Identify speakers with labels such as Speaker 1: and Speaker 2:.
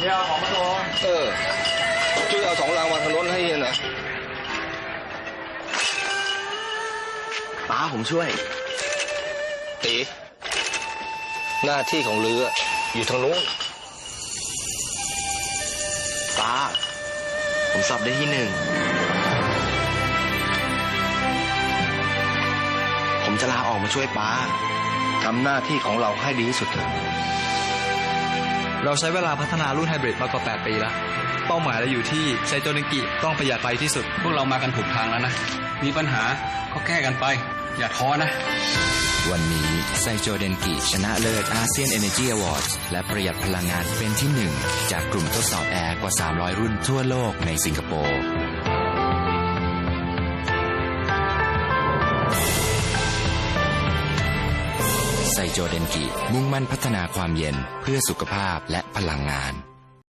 Speaker 1: นี่เอาของมาส่ง
Speaker 2: ช่วยเอา2 รางวัลทางรถให้เฮียหน่อย
Speaker 3: ป้าผมช่วย
Speaker 2: ตีหน้าที่ของเรืออยู่ทางนู้น
Speaker 3: ป้าผมสอบได้ที่ 1ผมจะลาออกมาช่วยป้า
Speaker 2: ทำหน้าที่ของเราให้ดีที่สุดเถอะ
Speaker 4: เราใช้เวลาพัฒนารุ่นไฮบริดมากกว่า8 ปีแล้วเป้าหมายเราอยู่ที่ไซโตเดนกิต้องประหยัดไฟที่สุด
Speaker 1: พวกเรามากันถูกทางแล้วนะมีปัญหาก็แก้กันไปอย่าท้อนะ
Speaker 5: วันนี้ไซโจเดนกิชนะเลิศอาเซียน Energy Awards และประหยัดพลังงานเป็นที่ 1จากกลุ่มทดสอบแอร์กว่า300 รุ่นทั่วโลกในสิงคโปร์ไซโจเดนกิมุ่งมั่นพัฒนาความเย็นเพื่อสุขภาพและพลังงาน